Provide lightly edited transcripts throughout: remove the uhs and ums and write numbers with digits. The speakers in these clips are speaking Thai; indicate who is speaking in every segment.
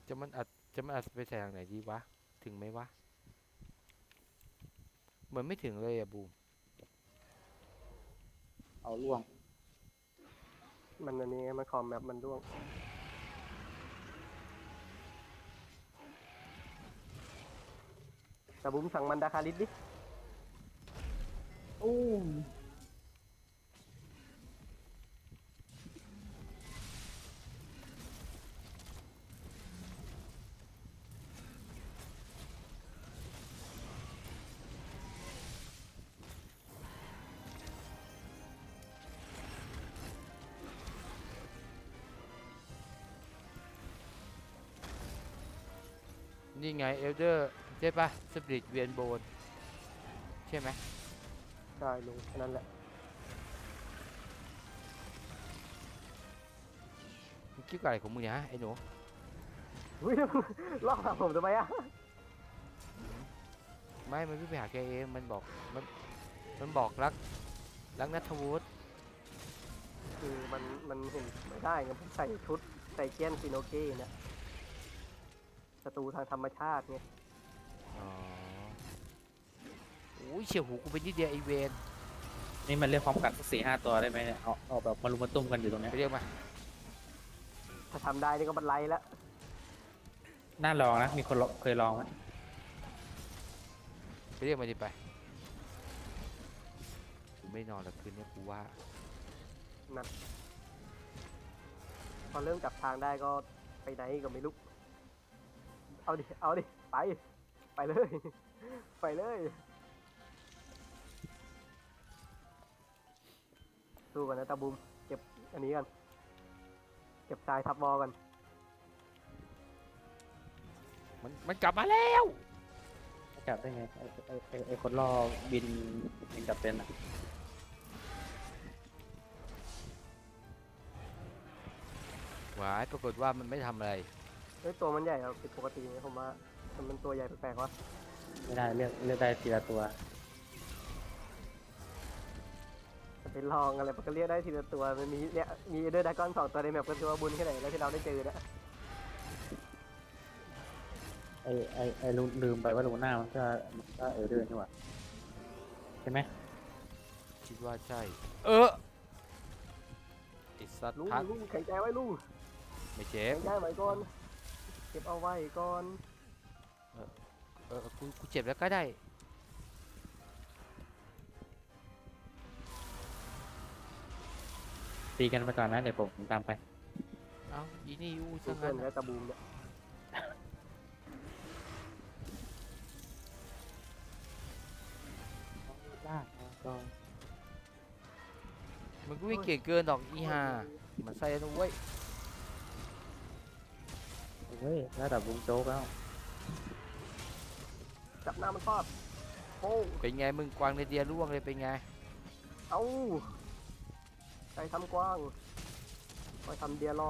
Speaker 1: จะมันอัดจะมันอัดไปใส่ทางไหนดีวะถึงไหมวะเหมือนไม่ถึงเลยอะบูม
Speaker 2: เอาล่วง
Speaker 3: มันอันนี้มันคอมแมปมันร่วงแต่บุ้มสั่งมันดาคาริสดิ
Speaker 2: อู้
Speaker 1: นี่ไงเอลเดอร์ใช่ปะสปิริตเวียนโบนใช่ไหม
Speaker 3: ใช่ลุงแค่นั้นแหละ
Speaker 1: มึงคิดอะไรของมึงเนี่ยฮะไอ้หนู
Speaker 3: อุ้ยลอกหาผมทำไมอ่ะ
Speaker 1: ไม่มันวิ่งไปหาแกเองมันบอกมันบอกรักนัทวุฒิ
Speaker 3: คือมันเห็นไม่ได้ไงผมใส่ชุดใส่เกียนซิโนเก้เนี่ยศัตรูทางธรรมชาติไง
Speaker 1: อ๋อโอ้ยเฉียวหูกูเป็นนิดเดียวไอเวน
Speaker 2: นี่มันเรียกพร้อมกันสัก4-5ตัวได้ไหมเนี่ยเอาแบบมารุมมาตุ้มกันอยู่ตรงเนี้ย
Speaker 1: ไปเรียกมา
Speaker 3: ถ้าทำได้นี่ก็บันไลแล้ว
Speaker 2: น่าลองนะมีคนเคยลองไหม
Speaker 1: ไปเรียกมาดิไปกูไม่นอนแล้วคืนนี้กูว่า
Speaker 3: นั่นพอเริ่มจับทางได้ก็ไปไหนก็ไม่รู้เอาดิเอาดิไปเลยไปเลยสู้กันนะตาบุมเก็บอันนี้กันเก็บทรายทับวอลกัน
Speaker 1: มันกลับมาแล้ว
Speaker 2: จับได้ไงไอ้คนล่อบินยังจับเป็นอ่ะ
Speaker 1: หวายปรากฏว่ามันไม่ทำอะไร
Speaker 3: เฮ้ยตัวมันใหญ่อะผิดปกตินะผมว่ามันเป็นตัวใหญ่แปลกๆวะ
Speaker 2: ไม่ได้เลือกได้ทีละตัว
Speaker 3: จะไปลองอะไรมันก็เรียกได้ทีละตัวมันมีเนี่ยมีเดอร์ดากอน2 ตัวในแมปก็ตัวบุญแค่ไหนแล้วที่เราได้เจอนะ
Speaker 2: ไอ้ลืมไปว่าลูน่ามันก็เออเดินนี่หว่าใช่ไหม
Speaker 1: คิดว่าใช่ไอสัตว์
Speaker 3: ลุง
Speaker 1: พัก
Speaker 3: ลุงแข็งใจไว้ลุง
Speaker 1: ไม่เจ็
Speaker 3: แข็
Speaker 1: บ
Speaker 3: งใจไว้ก่อนเก็บเอาไว้ก่อน
Speaker 1: กูเจ็บแล้วก็ได้
Speaker 2: ตีกันไปก่อนนะเดี๋ยวผมตามไป
Speaker 1: เอ้าอีนี่อู้
Speaker 3: ดู
Speaker 1: ซะ
Speaker 3: เพื่อ
Speaker 1: งั้
Speaker 3: น
Speaker 1: น
Speaker 3: และตะบูมเนี่ย
Speaker 2: ลากก็
Speaker 1: มันก็วิ่งเก่งเกินดอกอีห่ามันใส่นะเว้ย
Speaker 2: เฮ้ยระดับวงโจ๊กแล้ว
Speaker 3: จับหน้ามันทอดโอ้
Speaker 1: เป็นไงมึงกวางในเดียร่วงเลยเป็นไง
Speaker 3: เอาใครทำกว้างคอยทำเดียลอง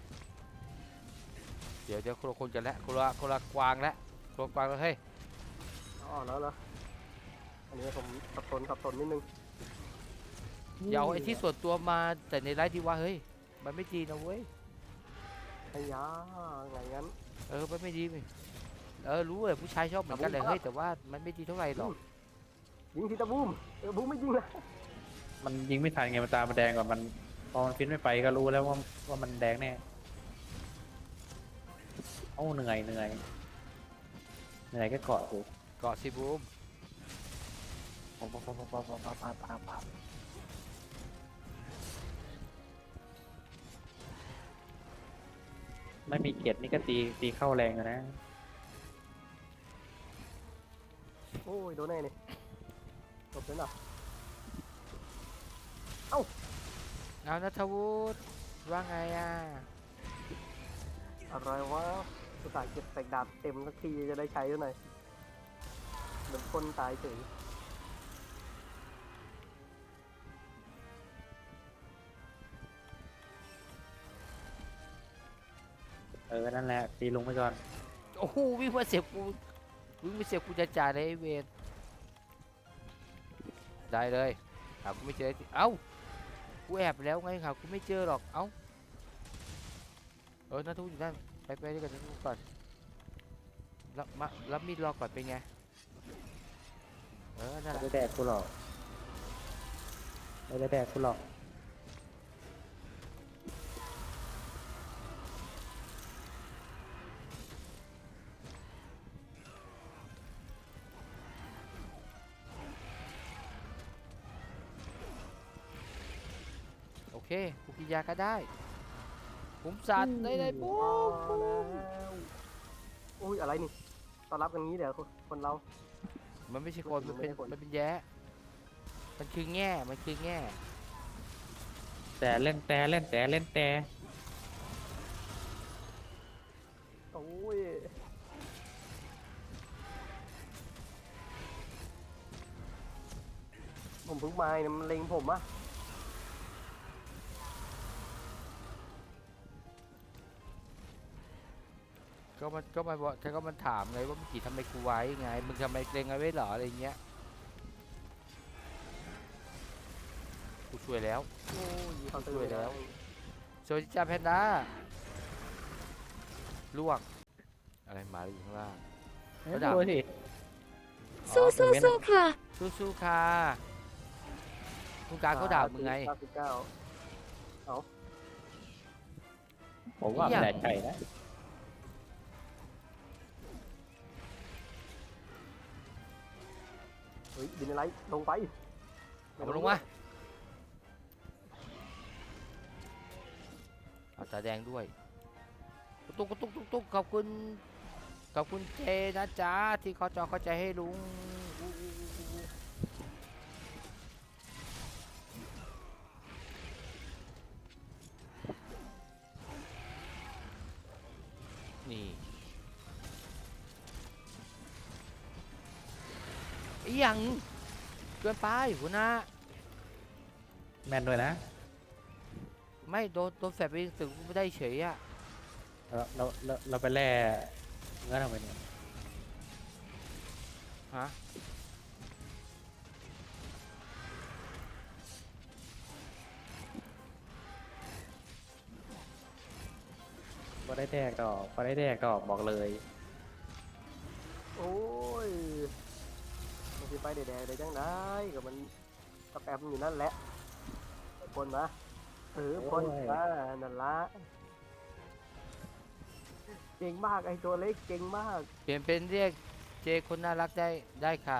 Speaker 1: เดี๋ยวคนละคนกันแล้วคนละกวางแล้วคนละกวางแล้วเฮ้ย
Speaker 3: อ๋อแล้วเหรออันนี้ผมสับสนนิดนึง
Speaker 1: อย่าเอาไอ้ที่ส่วนตัวมาแต่ในไลฟ์ดีว่าเฮ้ยมันไม่ดีนะเว้ย
Speaker 3: ไอ้ยาไงงั้น
Speaker 1: มันไม่ดีรู้เลยผู้ชายชอบเหมือนกันเลยเฮ้ยแต่ว่ามันไม่ดีเท่าไหร่หรอก
Speaker 3: ยิงทีตะบูมบูมไม่ยิงนะ
Speaker 2: มันยิงไม่ทันไงมันตามันแดงก่อนมันพอมันฟินไม่ไปก็รู้แล้วว่ามันแดงแน่โอ้เหนื่อยก็เกาะสิ
Speaker 1: เกาะสิบูม
Speaker 2: ไม่มีเกียรตินี่ก็ตีเข้าแรงอยู่นะ
Speaker 3: โอ้ยโดนแน่นี่จบแล้วเหรอ
Speaker 1: เอานัทวุฒิว่าไงอ่ะ
Speaker 3: อะไรวะอุตส่าห์เก็บใส่ดาบเต็มสักทีจะได้ใช้ด้วยหน่อยเหมือนคนตายเฉย
Speaker 2: นั่นแหละตีลงไปก่อน
Speaker 1: โอ้โหวิ่งมาเสียบกูจะจ่ายเลยไอ้เวรได้เลยหากูไม่เจอเอ้ากูแอบแล้วไงหากูไม่เจอหรอกเอ้านัทวุฒิอยู่นั่นไปด้วยกันดูก่อนแล้วมีดรอก่อนเป็นไงนั่นแห
Speaker 2: ไม่
Speaker 1: ละ
Speaker 2: ได้แดกกูหรอกไม่ได้แดกกูหรอก
Speaker 1: โอเคกูกินยาก็ได้ผมสัตว์ได้ปุ๊
Speaker 3: พอบ
Speaker 1: ปุ๊
Speaker 3: แล้
Speaker 1: บ
Speaker 3: วอุ้ยอะไรนี่ต้อนรับกันงี้เดี๋ยวคนเรา
Speaker 1: มันไม่ใช่คน
Speaker 3: มั
Speaker 1: มัน
Speaker 3: นไม่
Speaker 1: เป็น
Speaker 3: ใช่คน
Speaker 1: มันเป็นแย้มันคือแง่มันคือแง่
Speaker 2: แต่เล่นแต่เล่นแต่เล่นแต่
Speaker 3: โอ้ยผมเพิ่งมาเนี่ยมันเล็งผมอะ
Speaker 1: ก็มันบอกก็มันถามไงว่าเมื่อกี้ทำไมกูไว้ไงมึงทำไมเกรงเอาไว้เหรออะไรเงี้ยกูช่วยแล้ว
Speaker 3: โอ้ยเขาตื่
Speaker 1: ช่วย
Speaker 3: น
Speaker 1: แล้
Speaker 3: แล้ว ว
Speaker 1: โซจิจาแพนด้าล่วงอะไรหมาอยู่ข้างล่าง
Speaker 2: ไม่
Speaker 1: ระดับ
Speaker 2: รู้สิ
Speaker 4: สู้สู้สู้ค่ะ
Speaker 1: สู้ๆค่ะคุณการเขาด่ามึงไง
Speaker 3: 99
Speaker 2: ผมว่า
Speaker 1: เนี่ย
Speaker 2: ไม่ได้ใจนะ
Speaker 3: เฮ้ยดินอะไรลงไป
Speaker 1: เอามาลงมาเอาตาแดงด้วยตุ๊กขอบคุณเจนะจ๊ะที่เขาจอเข้าใจให้ลุงนี่อีหยังเกินไปหัวหน้า
Speaker 2: แมนด้วยนะ
Speaker 1: ไม่โดนแฟบไปถึงไม่ได้เฉยอะ
Speaker 2: เราไปแล่เนื้อทำไมเนี่ย
Speaker 1: ฮะ
Speaker 2: พอได้แดกดอกพอได้แดกดอกบอกเลย
Speaker 3: โอ้ยมันสิไปแดดๆได้จังได้กับมันตะแปมอยู่นั่นแหละพ่นมาพ่นมานั่นละเก่งมากไอตัวเล็กเก่งมาก
Speaker 1: เปลี่ยนเป็นเรียกเจคนน่ารักได้ค่ะ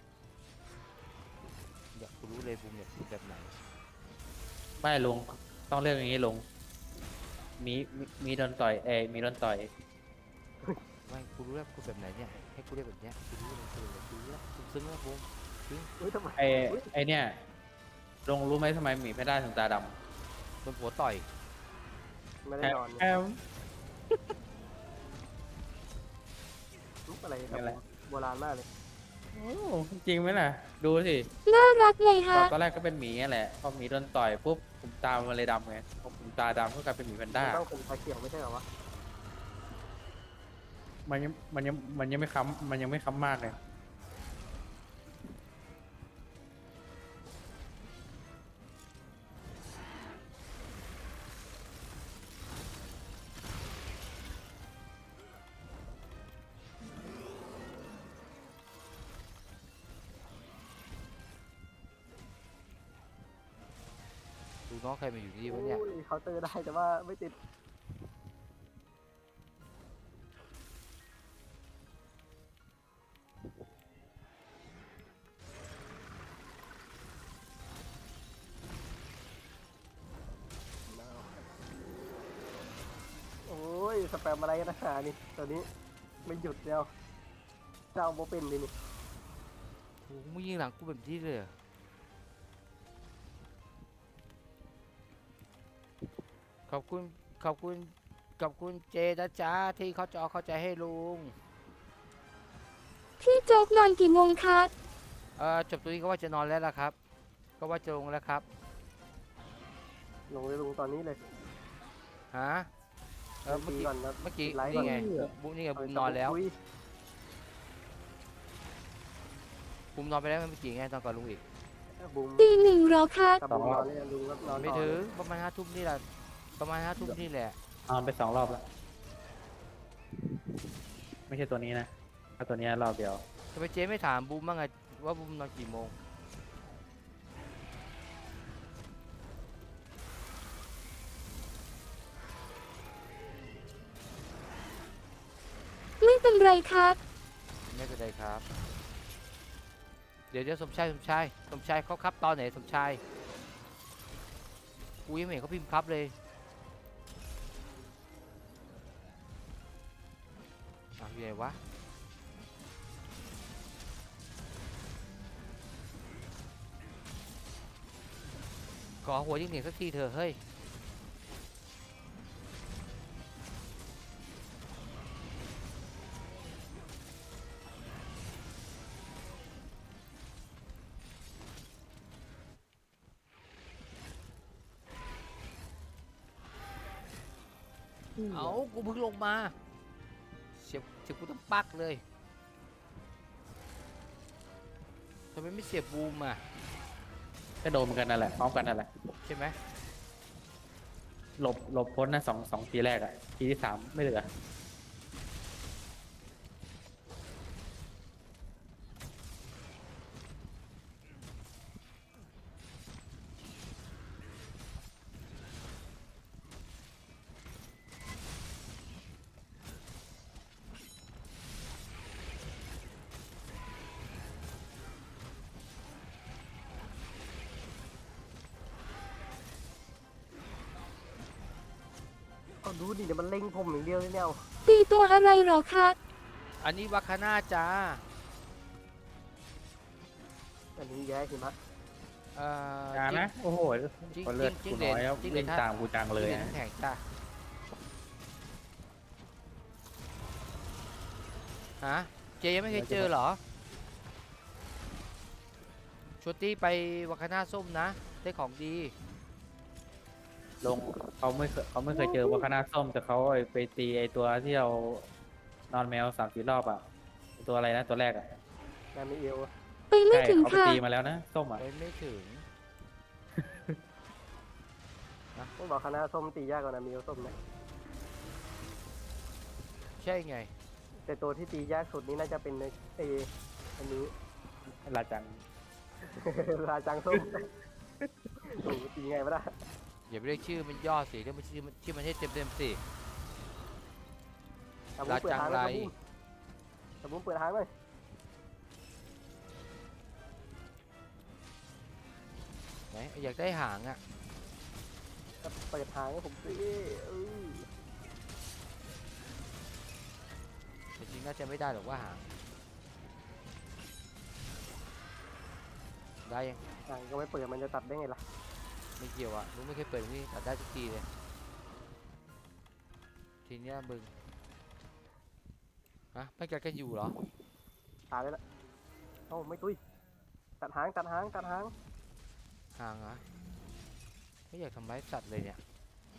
Speaker 1: อยากรู้เลยภูมิอยากพูดแบบไหน
Speaker 2: ไม่ลุงต้องเลือกอย่างนี้ลุงมีโดนต่อยมีโดนต่อย
Speaker 1: ไม่กูรู้แล้วพูดแบบไหนเนี่ยให้กูเรียกแบบเนี้ยกูรู้เลยกูรู้แล้วกูซึ้งแล้วภูมิ
Speaker 3: เฮ้ยทำไม
Speaker 2: ไอเนี่ยลุงรู้ไหมทำไมหมีแพนด้าถึงตาด
Speaker 1: โดนผัวต่อย
Speaker 3: ไม่
Speaker 2: ำ
Speaker 3: ได้นอน
Speaker 2: แอม
Speaker 3: ลุกอะไร
Speaker 2: นั่นแหละ
Speaker 3: โบราณมากเลย
Speaker 2: โอ้จริงไหมล่ะ ดูสิ
Speaker 4: น่ารักเลยฮะ
Speaker 2: ตอนแรกก็เป็นหมีนั่นแหละพอหมีโดนต่อยปุ๊บผมตามันเลยดำไงพอผมตาดำก็กลายเป็นหมีแพนด้า
Speaker 3: มันต้องเป็นชาเขียวไม่ใช่เหรอวะ
Speaker 2: มันยังไม่ค้ำมากเลย
Speaker 1: ดูน้องใครมาอยู่นี่วะเนี่ย
Speaker 3: โอ้ยเคาน์เตอร์ได้แต่ว่าไม่ติดโอ้ยสแปมอะไรกันนะนี่ตัวนี้ไม่หยุดเดียวเจ้าโบเป็นเลยนี่
Speaker 1: โอ้โหมึงยิงหลังกูแบบนี้เลยเหรอขอบคุณเจนะจ๊ะที่เขาจอเข้าใจให้ลุง
Speaker 4: พี่โจ๊กนอนกี่โมงคะ
Speaker 1: จบตรงนี้ก็ว่าจะนอนแล้วล่ะครับ ก็ว่าจะลงแล้วครับ
Speaker 3: ลงเลยลงตอนนี้เลย
Speaker 1: ฮะเมื่อกี้
Speaker 3: ก่อนนะ
Speaker 1: เมื่อกี้
Speaker 3: ไลฟ์
Speaker 1: นี่ไง
Speaker 3: ก่อน
Speaker 1: บุนี่ไงบุมนอนแล้ว
Speaker 3: คุย
Speaker 1: บุมนอนไปแล้วเมื่อกี้ไงตอนก่อนลุงอีก
Speaker 3: บูม
Speaker 4: ตีหนึ่งเหรอคะ
Speaker 3: กับบูมนอนเลยลุงก็นอน
Speaker 1: ไม่
Speaker 3: ต่อ
Speaker 1: ถึง
Speaker 3: เลย
Speaker 1: ประมาณ5 ทุ่มนี่แหละประมาณ5 ทุ่มนี่แหละ
Speaker 2: นอนไป2 รอบแล้วไม่ใช่ตัวนี้นะถ้าตัวนี้รอบเดียว
Speaker 1: ทำไมเจ๊ไม่ถามบูมบ้างไงว่าบูมนอนกี่โมง
Speaker 4: ไม่เป็นไรครับ
Speaker 1: ไม่เป็นไรครับ เดี๋ยวสมชายเขาครับตอนไหนสมชายกูยังไม่เห็นเขาพิมพ์ครับเลยอยู่ไหนวะขอหัวยิ่งเหนียงสักทีเถอะเฮ้ยเอากูเพิ่งลงมาเสียบกูต้องปักเลยทำไมไม่เสียบบูมอ่ะ
Speaker 2: ก็โดนเหมือนกันนั่นแหละพร้อมกันนั่นแหละ
Speaker 1: ใช่ไหม
Speaker 2: หลบพ้นนะสองทีแรกอ่ะทีที่สามไม่เหลือ
Speaker 3: เอาดูดิเดี๋ยวมันเล็งผมอย่างเดียวเลยเนี่ยเอา
Speaker 4: ตีตัวอะไรเหรอคะ
Speaker 1: อันนี้วัคคาน่าจ้า
Speaker 3: อันนี้แย่หิมะ
Speaker 2: อย่านะโอ้โห
Speaker 1: จิ้ง
Speaker 2: คนเลือด
Speaker 1: จิ้
Speaker 2: กู
Speaker 1: งเหล
Speaker 2: น้อยแล้ว
Speaker 1: จิ้งเหล
Speaker 2: วิ่
Speaker 1: น
Speaker 2: งตามกูจังเลย
Speaker 1: จิ้งหรี
Speaker 2: นะ
Speaker 1: น้ำแข็งจ้าฮะเจยังไม่เคยเจอเหรอชวตตี้ไปวัคคาน่าส้มนะได้ของดี
Speaker 2: ลงเขาไม่เคยเจอว่าคณะส้มแต่เขาไปตีไอตัวที่เรานอนแมว3-4 รอบอ่ะไอ้ตัวอะไรนะตัวแรกอ่ะ
Speaker 3: นามิเอล
Speaker 4: ไปไม่
Speaker 2: ใช่
Speaker 4: ถึง
Speaker 2: เขาไป
Speaker 4: ค่ะ
Speaker 2: ตีมาแล้วนะส้มอ่ะ
Speaker 1: ไปไม่ถึง
Speaker 3: ต้องบอกคณะส้มตียากกว่านามิเอลส้มนะ
Speaker 1: ใช่ไง
Speaker 3: แต่ตัวที่ตียากสุดนี้น่าจะเป็นไออันนี้
Speaker 2: ลาจัง
Speaker 3: ราจังส้มโอ้โหตีไงวะล่ะ
Speaker 1: อย่าไปเรียกชื่อมันย่อสิเรียกมันชื่อมันให้เต็มสิ
Speaker 3: ตะบุ้มเปิดทางเลยตะบุ้มเปิดทางเลย
Speaker 1: ไหนอยากได้หางอ่ะ
Speaker 3: เปิดทางให้ผมสิเออ
Speaker 1: แต่จริงน่าจะไม่ได้หรอกว่าหางได้ยัง
Speaker 3: ทางก็ไม่เปิดมันจะตัดได้ไงล่ะ
Speaker 1: ไม่เกี่ยวอ่ะลุงไม่เคยเปิดนี่ตัดได้ทุกทีเลยทีเนี้ยมึงฮะไม่กัดกันอยู่เหรอ
Speaker 3: ตายไปแล้วเอ้าไม่ตุ้ยตัดหางตัดหางตัดหาง
Speaker 1: หางเหรอไม่อยากทำร้ายสัตว์เลยเนี่ย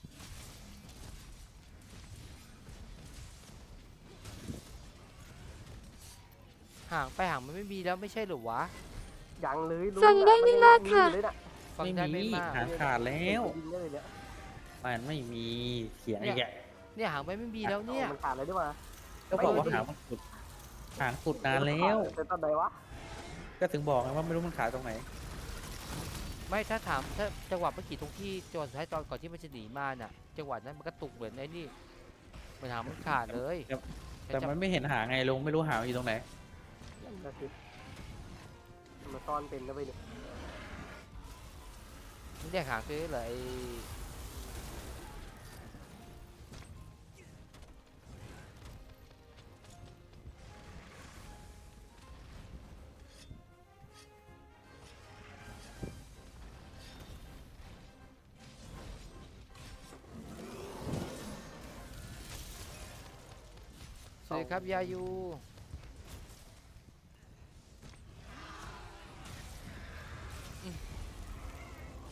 Speaker 1: หางไปหางมันไม่มีแล้วไม่ใช่เหรอวะ
Speaker 3: ยังเลยลุ
Speaker 4: ฟังได้ไม่มากค่ะ
Speaker 3: เลยน่ะ
Speaker 1: ฟัง
Speaker 2: ไม่
Speaker 1: ได้ไม่
Speaker 2: มี
Speaker 1: มาก
Speaker 2: หางขาดแล้ว
Speaker 3: ยิงได้เลยเนี่ย
Speaker 2: มันไม่มีเขียนอีกอ่ะ
Speaker 1: เนี่ยหางไปไม่มีแล้วเนี่ย
Speaker 3: มันขาดเลยด้วยวะ
Speaker 2: ก็บอกว่า
Speaker 1: ไปดิ
Speaker 2: หางสุดนานแล้ว
Speaker 3: เป็นตอนไหนวะ
Speaker 2: ก็ถึงบอกไงว่าไม่รู้มันขาดตรงไหน
Speaker 1: ไม่ถ้าถามถ้าจังหวะเมื่อกี้ตรงที่จังหวะสุดท้ายตอนก่อนที่มันจะหนีมาน่ะจังหวะนั้นมันก็ตุกเหมือนไอ้นี่มันหางมันขาดเลย
Speaker 2: แต่มันไม่เห็นหางไงลงไม่รู้หางอยู่ตรงไหน
Speaker 3: นั่นน่ะสิมันซ่อนเป็นนะเว้ยเนี่ย
Speaker 1: มันแยกหางซื้อเลยสวัสดีครับยายู